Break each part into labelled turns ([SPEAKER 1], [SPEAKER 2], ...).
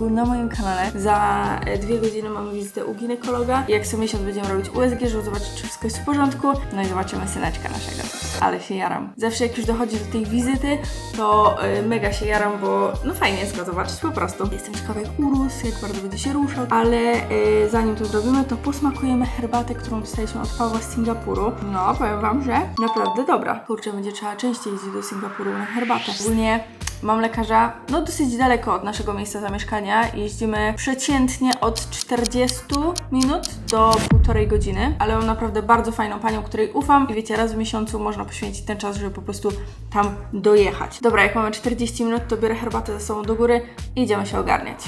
[SPEAKER 1] odcinku na moim kanale. Za 2 godziny mamy wizytę u ginekologa. Jak co miesiąc będziemy robić USG, żeby zobaczyć, czy wszystko jest w porządku. No i zobaczymy syneczka naszego. Ale się jaram. Zawsze jak już dochodzi do tej wizyty, to mega się jaram, bo no fajnie jest go zobaczyć po prostu. Jestem ciekawa jak urósł, jak bardzo będzie się ruszał, ale zanim to zrobimy, to posmakujemy herbatę, którą dostaliśmy od Pawła z Singapuru. No, powiem wam, że naprawdę dobra. Kurczę, będzie trzeba częściej jeździć do Singapuru na herbatę. Ogólnie mam lekarza, no dosyć daleko od naszego miejsca zamieszkania. Jeździmy przeciętnie od 40 minut do 1,5 godziny, ale mam naprawdę bardzo fajną panią, której ufam i wiecie, raz w miesiącu można poświęcić ten czas, żeby po prostu tam dojechać. Dobra, jak mamy 40 minut, to biorę herbatę ze sobą do góry i idziemy się ogarniać.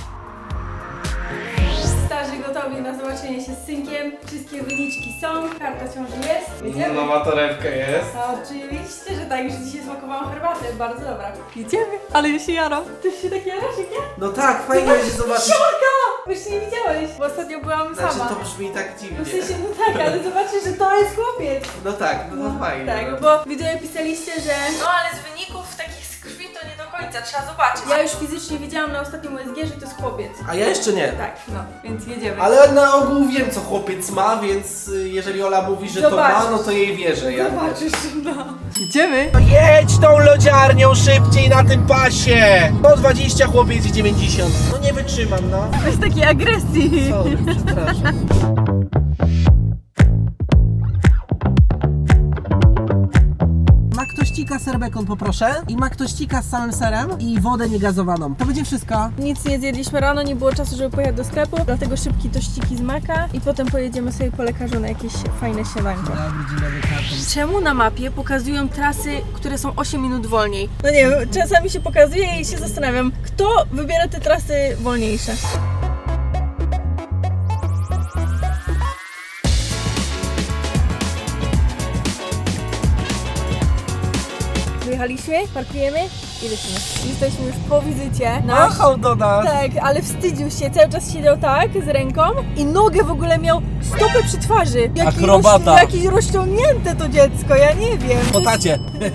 [SPEAKER 1] Starzy gotowi na zobaczenie się z synkiem. Wszystkie wyniczki są, karta ciąży jest. Idziemy?
[SPEAKER 2] Nowa torebka jest.
[SPEAKER 1] Oczywiście, że tak, że dzisiaj smakowałam herbatę, bardzo dobra. Idziemy, ale ja się jaram. Ty się tak jarasz jak ja?
[SPEAKER 2] No tak, fajnie będzie zobaczyć.
[SPEAKER 1] Siorka! Już nie widziałeś, bo ostatnio byłam
[SPEAKER 2] Znaczy
[SPEAKER 1] sama.
[SPEAKER 2] to brzmi tak dziwnie.
[SPEAKER 1] W sensie, no tak, ale zobaczysz, że to jest chłopiec.
[SPEAKER 2] No tak, no to fajnie.
[SPEAKER 1] Tak,
[SPEAKER 2] no.
[SPEAKER 1] bo widzowie pisaliście, że no ale z wyników takich z krwi to nie do końca, trzeba zobaczyć. Ja już fizycznie widziałam na ostatnim USG, że to jest chłopiec.
[SPEAKER 2] A ja jeszcze nie.
[SPEAKER 1] Tak, no, więc jedziemy.
[SPEAKER 2] Ale na ogół wiem, co chłopiec ma, więc jeżeli Ola mówi, że
[SPEAKER 1] Zobaczysz.
[SPEAKER 2] to ma, no to jej wierzę. Ja
[SPEAKER 1] Zobaczysz, no. Idziemy?
[SPEAKER 2] Jedź tą lodziarnią szybciej na tym pasie! 120, chłopiec i 90. No nie wytrzymam, no.
[SPEAKER 1] Bez takiej agresji.
[SPEAKER 2] Sorry, przepraszam.
[SPEAKER 3] Maktościka ser bekon poproszę i maktościka z samym serem i wodę niegazowaną. To będzie wszystko.
[SPEAKER 1] Nic nie zjedliśmy rano, nie było czasu, żeby pojechać do sklepu, dlatego szybki tościki z maka i potem pojedziemy sobie po lekarzu na jakieś fajne śniadanko.
[SPEAKER 3] Dobry, dzień dobry, karton.
[SPEAKER 1] Czemu na mapie pokazują trasy, które są 8 minut wolniej? No nie wiem, czasami się pokazuje i się zastanawiam, kto wybiera te trasy wolniejsze. Wyjechaliśmy, parkujemy i lecimy. Jesteśmy już po wizycie.
[SPEAKER 3] Machał do nas!
[SPEAKER 1] Tak, ale wstydził się, cały czas siedział tak z ręką i nogę w ogóle miał stopę przy twarzy.
[SPEAKER 3] Akrobata.
[SPEAKER 1] Jakieś rozciągnięte to dziecko, ja nie wiem.
[SPEAKER 3] Po tacie.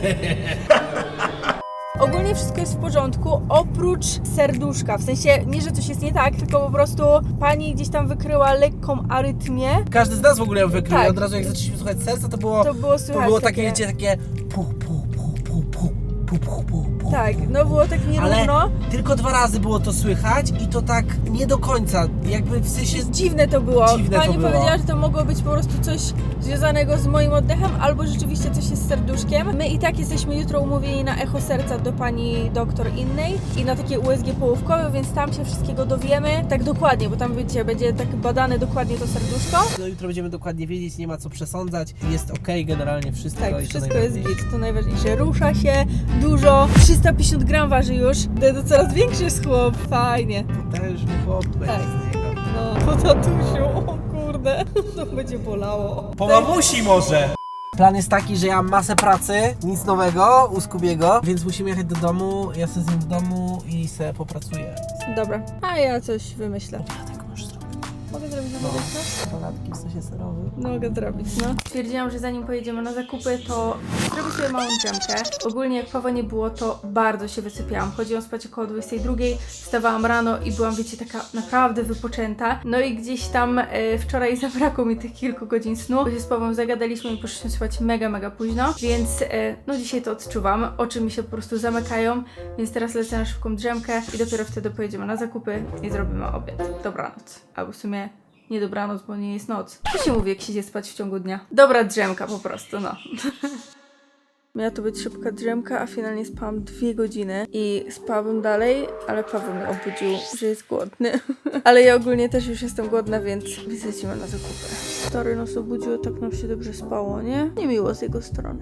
[SPEAKER 1] Ogólnie wszystko jest w porządku, oprócz serduszka. W sensie nie, że coś jest nie tak, tylko po prostu pani gdzieś tam wykryła lekką arytmię.
[SPEAKER 3] Każdy z nas w ogóle ją wykrył.
[SPEAKER 1] Tak.
[SPEAKER 3] Od razu jak zaczęliśmy słuchać serca, to było
[SPEAKER 1] Słychać
[SPEAKER 3] takie, wiecie, takie puch, puch, puch, puch, puch, puch, puch, puch, puch.
[SPEAKER 1] Tak, no było tak nierówno.
[SPEAKER 3] Ale tylko 2 razy było to słychać i to tak nie do końca, jakby w sensie...
[SPEAKER 1] Dziwne to było.
[SPEAKER 3] Dziwne
[SPEAKER 1] Pani
[SPEAKER 3] to było.
[SPEAKER 1] powiedziała, że to mogło być po prostu coś związanego z moim oddechem, albo rzeczywiście coś jest z serduszkiem. My i tak jesteśmy jutro umówieni na echo serca do pani doktor innej i na takie USG połówkowe, więc tam się wszystkiego dowiemy tak dokładnie, bo tam wiecie, będzie tak badane dokładnie to serduszko.
[SPEAKER 3] No jutro będziemy dokładnie wiedzieć, nie ma co przesądzać. Jest okej, generalnie wszystko.
[SPEAKER 1] Tak,
[SPEAKER 3] i to
[SPEAKER 1] wszystko jest
[SPEAKER 3] najważniejsze.
[SPEAKER 1] git, to najważniejsze. Rusza się dużo, 350 gram waży już, to coraz większy jest chłop, fajnie.
[SPEAKER 3] Potężny chłop będzie
[SPEAKER 1] Tak.
[SPEAKER 3] z niego.
[SPEAKER 1] No, po tatusiu, o kurde, to będzie bolało.
[SPEAKER 3] Po mamusi może! Plan jest taki, że ja mam masę pracy, nic nowego u Skubiego, więc musimy jechać do domu, ja sobie z nim w domu i se popracuję.
[SPEAKER 1] Dobra, a ja coś wymyślę.
[SPEAKER 3] Tak możesz zrobić.
[SPEAKER 1] Mogę zrobić zamówienie?
[SPEAKER 3] Salatki w sosie serowym.
[SPEAKER 1] Mogę zrobić, no. Stwierdziłam, że zanim pojedziemy na zakupy, to zrobię sobie małą drzemkę. Ogólnie jak Pawła nie było, to bardzo się wysypiałam. Chodziłam spać około 22, wstawałam rano i byłam, wiecie, taka naprawdę wypoczęta. No i gdzieś tam wczoraj zabrakło mi tych kilku godzin snu, bo się z Pawłem zagadaliśmy i poszliśmy spać mega późno, więc no dzisiaj to odczuwam. Oczy mi się po prostu zamykają, więc teraz lecę na szybką drzemkę i dopiero wtedy pojedziemy na zakupy i zrobimy obiad. Dobranoc. Albo w sumie nie dobranoc, bo nie jest noc. Co się mówi, jak się idzie spać w ciągu dnia? Dobra drzemka po prostu, no. Miała to być szybka drzemka, a finalnie spałam 2 godziny i spałabym dalej, ale Paweł mnie obudził, że jest głodny. Ale ja ogólnie też już jestem głodna, więc wylecimy na zakupy. Stary nas obudził, tak nam się dobrze spało, nie? Niemiło z jego strony.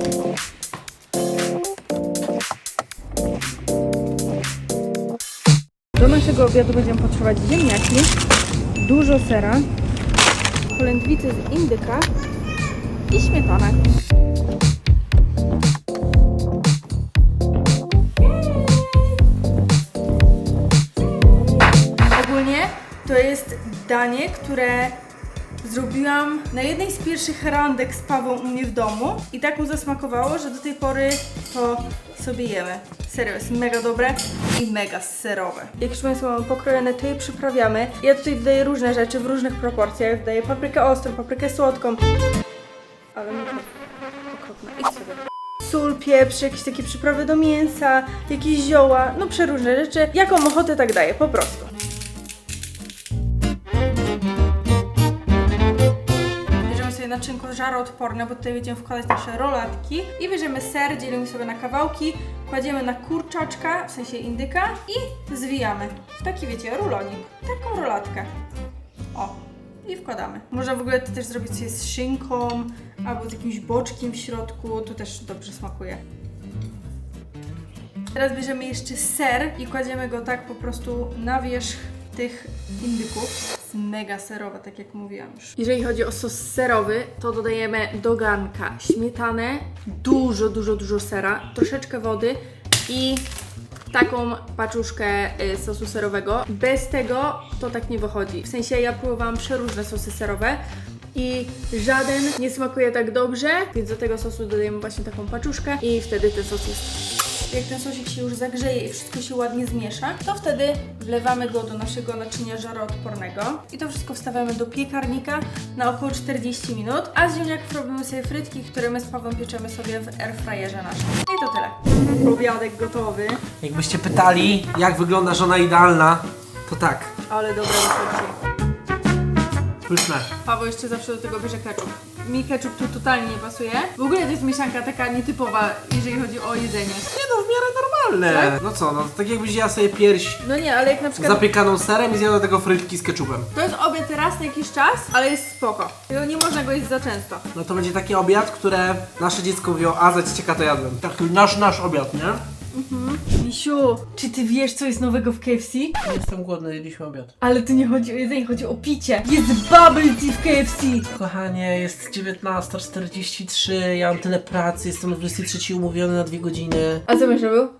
[SPEAKER 1] Do naszego obiadu będziemy potrzebować ziemniaki, dużo sera, polędwicy z indyka i śmietanę. Ogólnie to jest danie, które zrobiłam na jednej z pierwszych randek z Pawłem u mnie w domu i tak mu zasmakowało, że do tej pory to sobie jemy. Serio, jest mega dobre i mega serowe. Jak już Państwo mamy pokrojone, to je przyprawiamy. Ja tutaj dodaję różne rzeczy w różnych proporcjach. Dodaję paprykę ostrą, paprykę słodką. Ale mi to okropne. Idź sobie. Sól, pieprz, jakieś takie przyprawy do mięsa, jakieś zioła, no przeróżne rzeczy. Jaką ochotę tak daję, po prostu. Bierzemy sobie naczynko żaroodporne, bo tutaj będziemy wkładać nasze rolatki. I bierzemy ser, dzielimy sobie na kawałki, kładziemy na kurczaczka, w sensie indyka i zwijamy. W taki, wiecie, rulonik. Taką rolatkę. O. I wkładamy. Można w ogóle to też zrobić sobie z szynką albo z jakimś boczkiem w środku, to też dobrze smakuje. Teraz bierzemy jeszcze ser i kładziemy go tak po prostu na wierzch tych indyków. Jest mega serowa, tak jak mówiłam już. Jeżeli chodzi o sos serowy, to dodajemy do garnka śmietanę, dużo sera, troszeczkę wody i taką paczuszkę sosu serowego. Bez tego to tak nie wychodzi. W sensie ja próbowałam przeróżne sosy serowe i żaden nie smakuje tak dobrze, więc do tego sosu dodajemy właśnie taką paczuszkę i wtedy ten sos jest... Jak ten sosik się już zagrzeje i wszystko się ładnie zmiesza, to wtedy wlewamy go do naszego naczynia żaroodpornego i to wszystko wstawiamy do piekarnika na około 40 minut, a z ziemniaków robimy sobie frytki, które my z Pawłem pieczemy sobie w airfryerze naszym. I to tyle. Obiadek gotowy.
[SPEAKER 3] Jakbyście pytali, jak wygląda żona idealna, to tak.
[SPEAKER 1] Ale dobre wychodzi.
[SPEAKER 3] Pyszne.
[SPEAKER 1] Paweł jeszcze zawsze do tego bierze ketchup. Mi ketchup tu totalnie nie pasuje. W ogóle to jest mieszanka taka nietypowa, jeżeli chodzi o jedzenie.
[SPEAKER 3] Nie no, w miarę normalne.
[SPEAKER 1] Tak?
[SPEAKER 3] No co, no tak jakbyś jadła sobie pierś
[SPEAKER 1] No nie, ale jak na przykład...
[SPEAKER 3] zapiekaną serem i zjadła tego frytki z ketchupem.
[SPEAKER 1] To jest obiad raz na jakiś czas, ale jest spoko. Tylko nie można go jeść za często.
[SPEAKER 3] No to będzie taki obiad, które nasze dziecko mówiło, a za cieka to jadłem. Taki nasz obiad, nie?
[SPEAKER 1] Misiu, czy ty wiesz, co jest nowego w KFC?
[SPEAKER 3] Nie jestem głodny, jedliśmy obiad.
[SPEAKER 1] Ale tu nie chodzi o jedzenie, chodzi o picie. Jest bubble tea w KFC!
[SPEAKER 3] Kochanie, jest 19:43, ja mam tyle pracy, jestem o 23 umówiony na 2 godziny.
[SPEAKER 1] A co myślę był?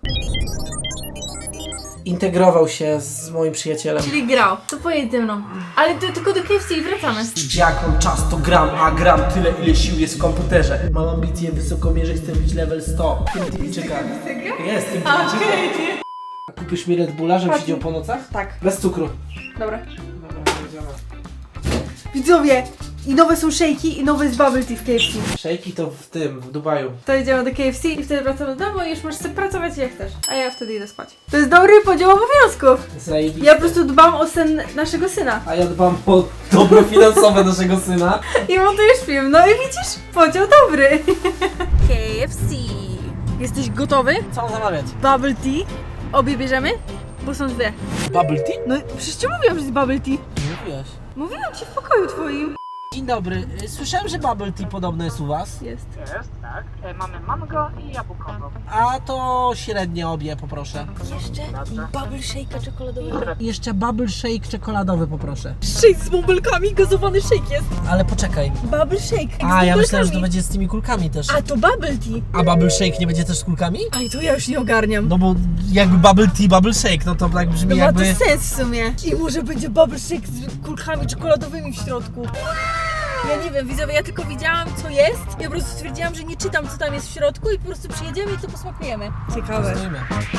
[SPEAKER 3] Integrował się z moim przyjacielem.
[SPEAKER 1] Czyli grał. To pojedź ze mną. Ale to tylko do KFC i wracamy.
[SPEAKER 3] Jak mam czas, to gram, a gram tyle, ile sił jest w komputerze. Mam ambicje wysokomierze i chcę być level 100. Tybijczyka. Jest, Tybijczyka. Kupisz mi Red Bulla, żebym siedział po nocach?
[SPEAKER 1] Tak.
[SPEAKER 3] Bez cukru.
[SPEAKER 1] Dobra.
[SPEAKER 3] Dobra, jedziemy.
[SPEAKER 1] Widzowie! I nowe są szejki i nowe jest bubble tea w KFC.
[SPEAKER 3] Szejki to w Dubaju.
[SPEAKER 1] To idziemy do KFC i wtedy wracamy do domu i już możesz sobie pracować jak chcesz. A ja wtedy idę spać. To jest dobry podział obowiązków.
[SPEAKER 3] Zajebiście.
[SPEAKER 1] Ja po prostu dbam o sen naszego syna.
[SPEAKER 3] A ja dbam o dobro finansowe naszego syna.
[SPEAKER 1] I montujesz film. No i widzisz? Podział dobry. KFC. Jesteś gotowy?
[SPEAKER 3] Co mam zamawiać?
[SPEAKER 1] Bubble tea. Obie bierzemy? Bo są dwie.
[SPEAKER 3] Bubble tea?
[SPEAKER 1] No przecież ci mówiłam, że jest bubble tea.
[SPEAKER 3] Nie mówiłaś.
[SPEAKER 1] Mówiłam ci w pokoju twoim.
[SPEAKER 3] Dzień dobry. Słyszałem, że bubble tea podobno jest u was.
[SPEAKER 1] Jest.
[SPEAKER 4] Jest, tak. Mamy mango i jabłkowo.
[SPEAKER 3] A to średnie obie poproszę.
[SPEAKER 1] Jeszcze bubble shake'a czekoladowego.
[SPEAKER 3] Jeszcze bubble shake czekoladowy poproszę.
[SPEAKER 1] Shake z bąbelkami, gazowany shake jest.
[SPEAKER 3] Ale poczekaj.
[SPEAKER 1] Bubble shake.
[SPEAKER 3] A, ja myślałem, że to będzie z tymi kulkami też.
[SPEAKER 1] A to bubble tea.
[SPEAKER 3] A bubble shake nie będzie też z kulkami?
[SPEAKER 1] Aj, to ja już nie ogarniam.
[SPEAKER 3] No bo jakby bubble tea, bubble shake, no to tak brzmi
[SPEAKER 1] No ma
[SPEAKER 3] jakby...
[SPEAKER 1] to sens w sumie. I może będzie bubble shake z kulkami czekoladowymi w środku. Ja nie wiem, widzowie, ja tylko widziałam co jest i po prostu stwierdziłam, że nie czytam co tam jest w środku i po prostu przyjedziemy i to posmakujemy. Ciekawe.
[SPEAKER 3] Poznajmy.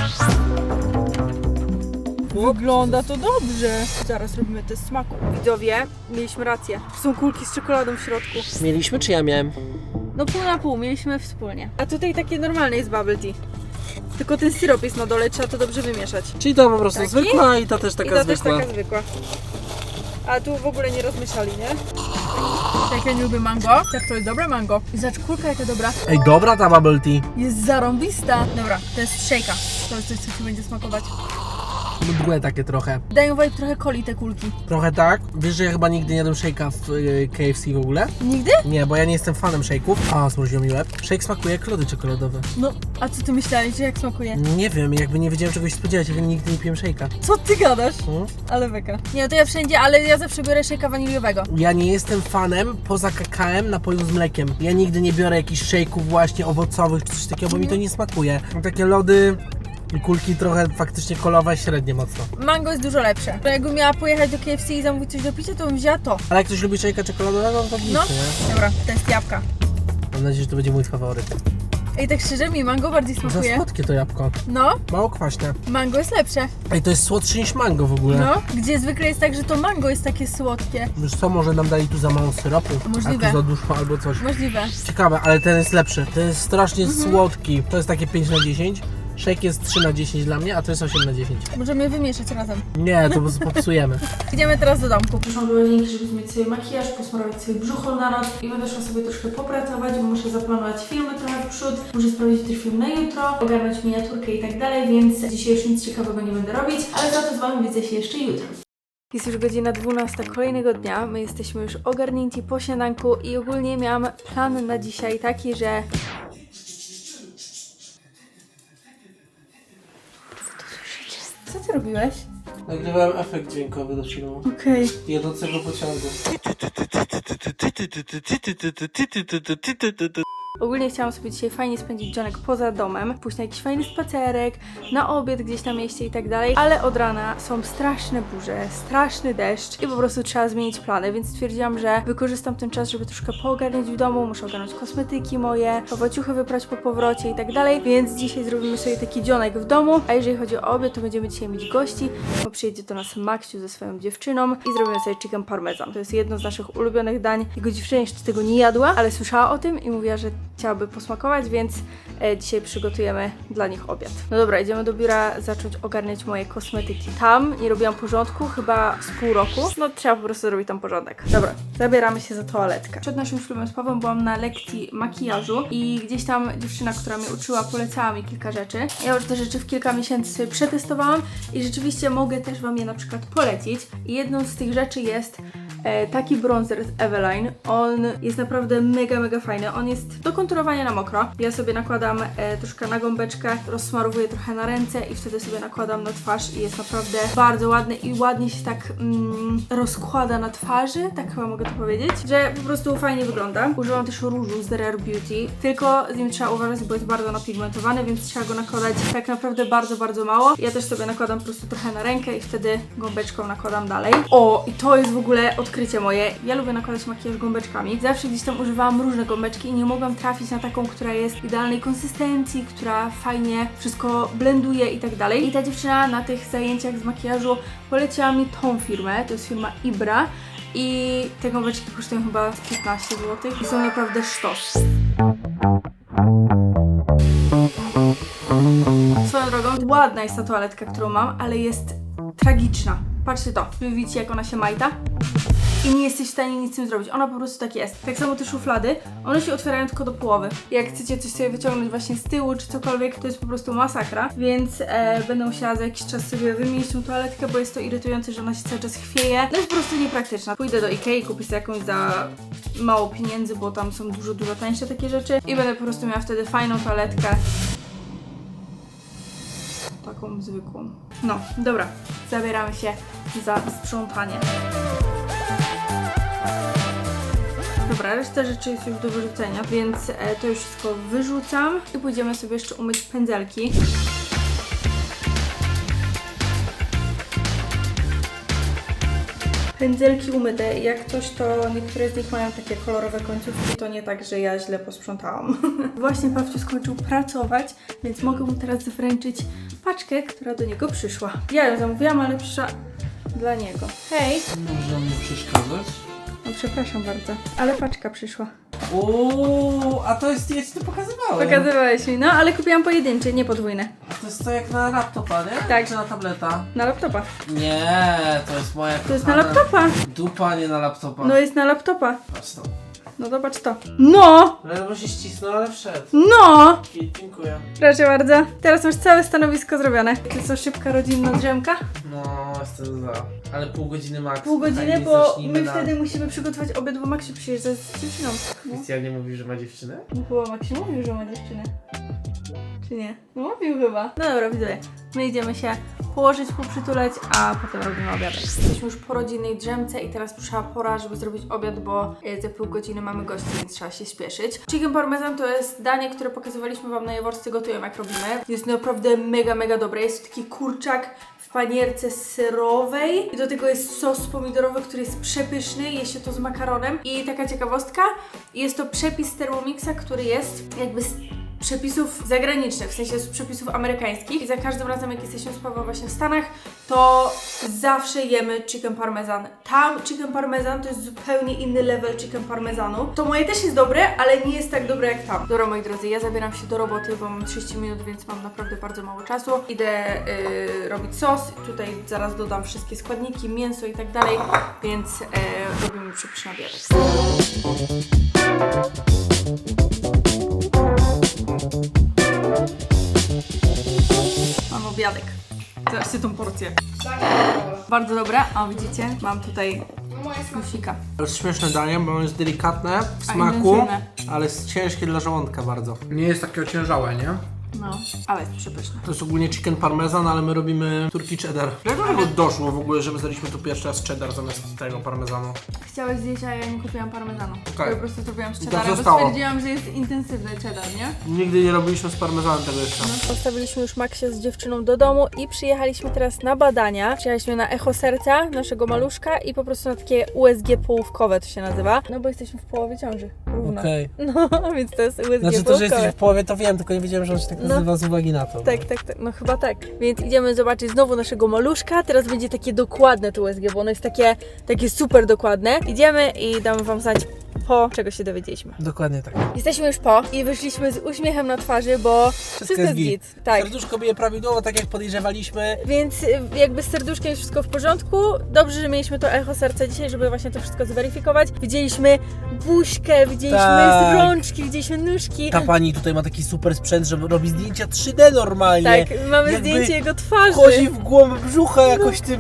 [SPEAKER 1] Wygląda to dobrze. Zaraz robimy test smaku. Widzowie, mieliśmy rację. Są kulki z czekoladą w środku.
[SPEAKER 3] Mieliśmy czy ja miałem?
[SPEAKER 1] No pół na pół, mieliśmy wspólnie. A tutaj takie normalne jest bubble tea. Tylko ten syrop jest na dole, trzeba to dobrze wymieszać.
[SPEAKER 3] Czyli to po prostu
[SPEAKER 1] Taki?
[SPEAKER 3] zwykła i ta też taka
[SPEAKER 1] I ta
[SPEAKER 3] zwykła.
[SPEAKER 1] też taka zwykła. A tu w ogóle nie rozmieszali, nie? Jak ja nie lubię mango, tak to jest dobre mango. I zobacz, kulka jaka dobra.
[SPEAKER 3] Ej, dobra ta bubble tea.
[SPEAKER 1] Jest zarąbista. Dobra, to jest shake'a. To jest coś, co ci będzie smakować.
[SPEAKER 3] Mdłe takie trochę.
[SPEAKER 1] Dają vibe trochę coli te kulki.
[SPEAKER 3] Trochę tak. Wiesz, że ja chyba nigdy nie jadłem shake'a w KFC w ogóle?
[SPEAKER 1] Nigdy?
[SPEAKER 3] Nie, bo ja nie jestem fanem shake'ów. A, zmroziło mi łeb. Shake smakuje jak lody czekoladowe.
[SPEAKER 1] No, a co ty myślałeś, że jak smakuje?
[SPEAKER 3] Nie wiem, jakby nie wiedziałem czegoś spodziewać, jak nigdy nie piłem shake'a.
[SPEAKER 1] Co ty gadasz?
[SPEAKER 3] Hmm?
[SPEAKER 1] Ale beka. Nie, to ja wszędzie, ale ja zawsze biorę shake'a waniliowego.
[SPEAKER 3] Ja nie jestem fanem, poza kakałem, napojów z mlekiem. Ja nigdy nie biorę jakichś shake'ów właśnie owocowych czy coś takiego, bo mi to nie smakuje. Mam takie lody I kulki trochę faktycznie kolowe, średnie mocno.
[SPEAKER 1] Mango jest dużo lepsze. To jakbym miała pojechać do KFC i zamówić coś do picia, to bym wzięła to.
[SPEAKER 3] Ale jak ktoś lubi szejka czekoladowego, to nic,
[SPEAKER 1] No.
[SPEAKER 3] nie?
[SPEAKER 1] Dobra, to jest jabłka.
[SPEAKER 3] Mam nadzieję, że to będzie mój faworyt.
[SPEAKER 1] Ej, tak szczerze, mi mango bardziej
[SPEAKER 3] Za
[SPEAKER 1] smakuje.
[SPEAKER 3] słodkie to jabłko.
[SPEAKER 1] No,
[SPEAKER 3] Mało kwaśne.
[SPEAKER 1] mango jest lepsze.
[SPEAKER 3] Ej, to jest słodsze niż mango w ogóle.
[SPEAKER 1] No, gdzie zwykle jest tak, że to mango jest takie słodkie.
[SPEAKER 3] Wiesz co, może nam dali tu za mało syropu?
[SPEAKER 1] Możliwe.
[SPEAKER 3] A tu za dużo albo coś.
[SPEAKER 1] Możliwe.
[SPEAKER 3] Ciekawe, ale ten jest lepszy. Ten jest strasznie słodki. To jest takie 5 na 10. Shake jest 3 na 10 dla mnie, a to jest 8 na 10.
[SPEAKER 1] Możemy je wymieszać razem.
[SPEAKER 3] Nie, to popsujemy.
[SPEAKER 1] Idziemy teraz do domku.
[SPEAKER 5] Przyszłam do łazienki, żeby zmieć sobie makijaż, posmarować sobie brzucho na noc i będę szła sobie troszkę popracować, bo muszę zaplanować filmy trochę w przód, muszę sprawdzić też film na jutro, ogarnąć miniaturkę i tak dalej, więc dzisiaj już nic ciekawego nie będę robić, ale za to z Wami widzę się jeszcze jutro.
[SPEAKER 1] Jest już godzina 12 kolejnego dnia. My jesteśmy już ogarnięci po śniadanku i ogólnie miałam plan na dzisiaj taki, że... Co ty robiłeś?
[SPEAKER 3] Nagrywałem efekt dźwiękowy do filmu.
[SPEAKER 1] Okej.
[SPEAKER 3] Jedącego pociągu.
[SPEAKER 1] Ogólnie chciałam sobie dzisiaj fajnie spędzić dzionek poza domem, pójść na jakiś fajny spacerek, na obiad gdzieś na mieście i tak dalej, ale od rana są straszne burze, straszny deszcz i po prostu trzeba zmienić plany, więc stwierdziłam, że wykorzystam ten czas, żeby troszkę poogarniać w domu, muszę ogarnąć kosmetyki moje, ciuchy wyprać po powrocie i tak dalej, więc dzisiaj zrobimy sobie taki dzionek w domu, a jeżeli chodzi o obiad, to będziemy dzisiaj mieć gości, bo przyjedzie do nas Maksiu ze swoją dziewczyną i zrobimy sobie chicken parmesan. To jest jedno z naszych ulubionych dań. Jego dziewczyna jeszcze tego nie jadła, ale słyszała o tym i mówiła, że chciałaby posmakować, więc dzisiaj przygotujemy dla nich obiad. No dobra, idziemy do biura zacząć ogarniać moje kosmetyki. Tam nie robiłam porządku chyba z pół roku. No trzeba po prostu zrobić tam porządek. Dobra, zabieramy się za toaletkę. Przed naszym ślubem z Pawłem byłam na lekcji makijażu i gdzieś tam dziewczyna, która mnie uczyła, polecała mi kilka rzeczy. Ja już te rzeczy w kilka miesięcy sobie przetestowałam i rzeczywiście mogę też Wam je na przykład polecić. I jedną z tych rzeczy jest taki bronzer z Eveline. On jest naprawdę mega fajny. On jest do konturowania na mokro. Ja sobie nakładam troszkę na gąbeczkę, rozsmarowuję trochę na ręce i wtedy sobie nakładam na twarz i jest naprawdę bardzo ładny i ładnie się tak rozkłada na twarzy, tak chyba mogę to powiedzieć, że po prostu fajnie wygląda. Używam też różu z The Rare Beauty, tylko z nim trzeba uważać, bo jest bardzo napigmentowany, więc trzeba go nakładać tak naprawdę bardzo mało. Ja też sobie nakładam po prostu trochę na rękę i wtedy gąbeczką nakładam dalej. O, i to jest w ogóle odkrycie moje. Ja lubię nakładać makijaż gąbeczkami. Zawsze gdzieś tam używałam różne gąbeczki i nie mogłam trafić na taką, która jest idealnej konsystencji, która fajnie wszystko blenduje i tak dalej. I ta dziewczyna na tych zajęciach z makijażu poleciła mi tą firmę, to jest firma Ibra i te gąbeczki kosztują chyba 15 zł i są naprawdę sztos. Swoją drogą, ładna jest ta toaletka, którą mam, ale jest tragiczna. Patrzcie to, wy widzicie jak ona się majta? I nie jesteś w stanie nic z tym zrobić. Ona po prostu tak jest. Tak samo te szuflady, one się otwierają tylko do połowy. Jak chcecie coś sobie wyciągnąć właśnie z tyłu czy cokolwiek, to jest po prostu masakra. Więc będę musiała za jakiś czas sobie wymienić tą toaletkę, bo jest to irytujące, że ona się cały czas chwieje. No jest po prostu niepraktyczna. Pójdę do Ikei, kupię sobie jakąś za mało pieniędzy, bo tam są dużo tańsze takie rzeczy. I będę po prostu miała wtedy fajną toaletkę. Taką zwykłą. No, dobra. Zabieramy się za sprzątanie. Dobra, reszta rzeczy jest już do wyrzucenia, więc to już wszystko wyrzucam i pójdziemy sobie jeszcze umyć pędzelki. Pędzelki umyte, jak coś to niektóre z nich mają takie kolorowe końcówki, to nie tak, że ja źle posprzątałam. Właśnie Pawciu skończył pracować, więc mogę mu teraz wręczyć paczkę, która do niego przyszła. Ja ją zamówiłam, ale przyszła dla niego. Hej!
[SPEAKER 3] Można mu przeszkadzać?
[SPEAKER 1] No przepraszam bardzo, ale paczka przyszła.
[SPEAKER 3] Uuu, a to jest, ja ci to pokazywałem.
[SPEAKER 1] Pokazywałeś mi, no ale kupiłam pojedyncze, nie podwójne.
[SPEAKER 3] To jest to jak na laptopa, nie?
[SPEAKER 1] Tak.
[SPEAKER 3] Czy na tableta?
[SPEAKER 1] Na laptopa.
[SPEAKER 3] Nie, to jest moja
[SPEAKER 1] To jest na
[SPEAKER 3] kochana
[SPEAKER 1] laptopa.
[SPEAKER 3] dupa, nie na laptopa.
[SPEAKER 1] No jest na laptopa.
[SPEAKER 3] Patrz to.
[SPEAKER 1] No zobacz to. No!
[SPEAKER 3] Ledwo się ścisnął, ale wszedł.
[SPEAKER 1] No!
[SPEAKER 3] I dziękuję.
[SPEAKER 1] Proszę bardzo. Teraz masz całe stanowisko zrobione. To co, szybka rodzinna drzemka?
[SPEAKER 3] No, jestem za. Ale pół godziny max.
[SPEAKER 1] Pół godziny,
[SPEAKER 3] Fajnie,
[SPEAKER 1] bo
[SPEAKER 3] zacznijmy
[SPEAKER 1] my
[SPEAKER 3] na-
[SPEAKER 1] wtedy musimy przygotować obiad, bo Maksiu przyjeżdża z dziewczyną. No.
[SPEAKER 3] Krystian mówi, że ma dziewczynę?
[SPEAKER 1] No chyba Maksiu mówił, że ma dziewczynę. Czy nie? No mówił chyba. No dobra, widzowie. My idziemy się położyć, poprzytulać, a potem robimy obiadek. Jesteśmy już po rodzinnej drzemce i teraz przyszła pora, żeby zrobić obiad, bo za pół godziny mamy gości, więc trzeba się spieszyć. Chicken parmesan to jest danie, które pokazywaliśmy Wam na Jaworscy Gotują, jak robimy. Jest naprawdę mega dobre. Jest to taki kurczak w panierce serowej i do tego jest sos pomidorowy, który jest przepyszny, je się to z makaronem. I taka ciekawostka, jest to przepis z Thermomixa, który jest jakby z przepisów zagranicznych, w sensie z przepisów amerykańskich i za każdym razem, jak jesteśmy z Pawłem właśnie w Stanach, to zawsze jemy chicken parmesan. Tam chicken parmesan to jest zupełnie inny level chicken parmesanu. To moje też jest dobre, ale nie jest tak dobre jak tam. Dobra, moi drodzy, ja zabieram się do roboty, bo mam 30 minut, więc mam naprawdę bardzo mało czasu. Idę robić sos, tutaj zaraz dodam wszystkie składniki, mięso i tak dalej, więc robimy przepyszny obiadek. Mam obiadek. Zobaczcie tą porcję. Bardzo dobre, a widzicie, mam tutaj smusika.
[SPEAKER 3] To jest śmieszne danie, bo ono jest delikatne w
[SPEAKER 1] A
[SPEAKER 3] smaku,
[SPEAKER 1] intensywne.
[SPEAKER 3] ale jest ciężkie dla żołądka bardzo. Nie jest takie ociężałe, nie?
[SPEAKER 1] No, ale jest przepyszne.
[SPEAKER 3] To jest ogólnie chicken parmesan, ale my robimy turkey cheddar. Jak do tego doszło w ogóle, że my zdaliśmy tu pierwszy raz cheddar zamiast tego parmezanu?
[SPEAKER 1] Chciałeś zjeść, a ja nie kupiłam parmezanu.
[SPEAKER 3] Tak.
[SPEAKER 1] Po prostu zrobiłam z
[SPEAKER 3] I tak
[SPEAKER 1] cheddarem, bo
[SPEAKER 3] zostało.
[SPEAKER 1] stwierdziłam, że jest intensywny cheddar, nie?
[SPEAKER 3] Nigdy nie robiliśmy z parmezanem tego jeszcze.
[SPEAKER 1] Postawiliśmy już Maksia z dziewczyną do domu i przyjechaliśmy teraz na badania. Przyjechaliśmy na echo serca naszego maluszka i po prostu na takie USG połówkowe to się nazywa. No bo jesteśmy w połowie ciąży. Równo.
[SPEAKER 3] Okej.
[SPEAKER 1] No, więc to jest USG
[SPEAKER 3] Znaczy to,
[SPEAKER 1] połówkowe.
[SPEAKER 3] że jesteś w połowie, to wiem, tylko nie wiedziałem, że on się tak nazywa z uwagi na to.
[SPEAKER 1] Tak, no chyba tak. Więc idziemy zobaczyć znowu naszego maluszka. Teraz będzie takie dokładne to USG, bo ono jest takie super dokładne. Idziemy i damy Wam znać, po czego się dowiedzieliśmy.
[SPEAKER 3] Dokładnie tak.
[SPEAKER 1] Jesteśmy już po i wyszliśmy z uśmiechem na twarzy, bo wszystko jest git. Tak.
[SPEAKER 3] Serduszko bije prawidłowo, tak jak podejrzewaliśmy.
[SPEAKER 1] Więc jakby z serduszkiem jest wszystko w porządku. Dobrze, że mieliśmy to echo serca dzisiaj, żeby właśnie to wszystko zweryfikować. Widzieliśmy buźkę, widzieliśmy
[SPEAKER 3] Tak.
[SPEAKER 1] rączki, widzieliśmy nóżki.
[SPEAKER 3] Ta pani tutaj ma taki super sprzęt, że robi zdjęcia 3D normalnie.
[SPEAKER 1] Tak, mamy
[SPEAKER 3] Jakby
[SPEAKER 1] zdjęcie jego twarzy.
[SPEAKER 3] Wchodzi w głąb brzucha jakoś tym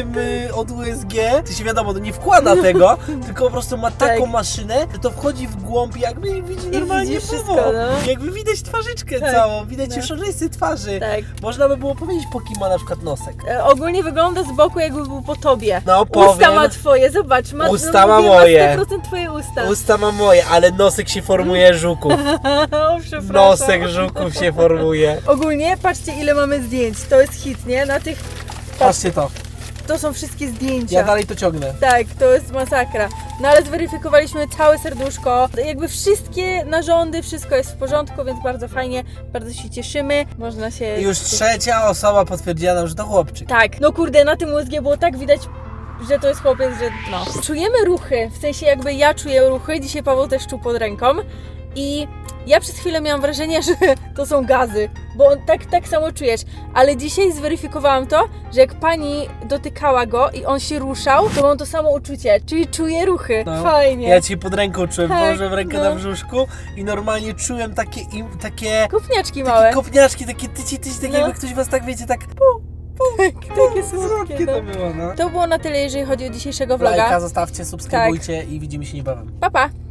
[SPEAKER 3] od USG. To się wiadomo, to nie wkłada tego, tylko po prostu ma taką
[SPEAKER 1] Tak.
[SPEAKER 3] maszynę, że to wchodzi w głąb i jakby widzi normalnie
[SPEAKER 1] widzi wszystko,
[SPEAKER 3] wszystko.
[SPEAKER 1] no.
[SPEAKER 3] Jakby widać twarzyczkę
[SPEAKER 1] Tak.
[SPEAKER 3] całą, widać
[SPEAKER 1] No.
[SPEAKER 3] już rysy twarzy.
[SPEAKER 1] Tak.
[SPEAKER 3] Można by było powiedzieć, po kim ma na przykład nosek.
[SPEAKER 1] Ogólnie wygląda z boku, jakby był po tobie.
[SPEAKER 3] No
[SPEAKER 1] Usta
[SPEAKER 3] powiem,
[SPEAKER 1] ma twoje, zobacz.
[SPEAKER 3] Usta ma
[SPEAKER 1] mówię,
[SPEAKER 3] moje.
[SPEAKER 1] Ma 100% twoje usta.
[SPEAKER 3] usta ma moje, ale nosek się formuje żuków.
[SPEAKER 1] O, przepraszam.
[SPEAKER 3] Nosek żuków się formuje.
[SPEAKER 1] Ogólnie, patrzcie ile mamy zdjęć. To jest hit, nie? Na tych...
[SPEAKER 3] Patrzcie to,
[SPEAKER 1] To są wszystkie zdjęcia.
[SPEAKER 3] ja dalej to ciągnę.
[SPEAKER 1] Tak, to jest masakra. No ale zweryfikowaliśmy całe serduszko, jakby wszystkie narządy, wszystko jest w porządku, więc bardzo fajnie, bardzo się cieszymy. Można się...
[SPEAKER 3] I już trzecia osoba potwierdziła nam, że to chłopczyk.
[SPEAKER 1] Tak, no kurde, na tym USG było tak widać, że to jest chłopiec, że no. Czujemy ruchy, w sensie jakby ja czuję ruchy, dzisiaj Paweł też czuł pod ręką i ja przez chwilę miałam wrażenie, że to są gazy, bo on tak samo czujesz, ale dzisiaj zweryfikowałam to, że jak pani dotykała go i on się ruszał, to mam to samo uczucie, czyli czuję ruchy,
[SPEAKER 3] No.
[SPEAKER 1] fajnie.
[SPEAKER 3] Ja ci pod ręką czułem,
[SPEAKER 1] Tak,
[SPEAKER 3] położyłem rękę
[SPEAKER 1] no.
[SPEAKER 3] na brzuszku i normalnie czułem takie
[SPEAKER 1] Kopniaczki małe,
[SPEAKER 3] kopniaczki, takie tyci, tak
[SPEAKER 1] No.
[SPEAKER 3] jakby ktoś was tak wiecie, tak
[SPEAKER 1] takie słodkie,
[SPEAKER 3] to
[SPEAKER 1] no.
[SPEAKER 3] było, no.
[SPEAKER 1] To było na tyle, jeżeli chodzi o dzisiejszego vloga.
[SPEAKER 3] Lajka zostawcie, subskrybujcie i widzimy się niebawem.
[SPEAKER 1] Pa, pa!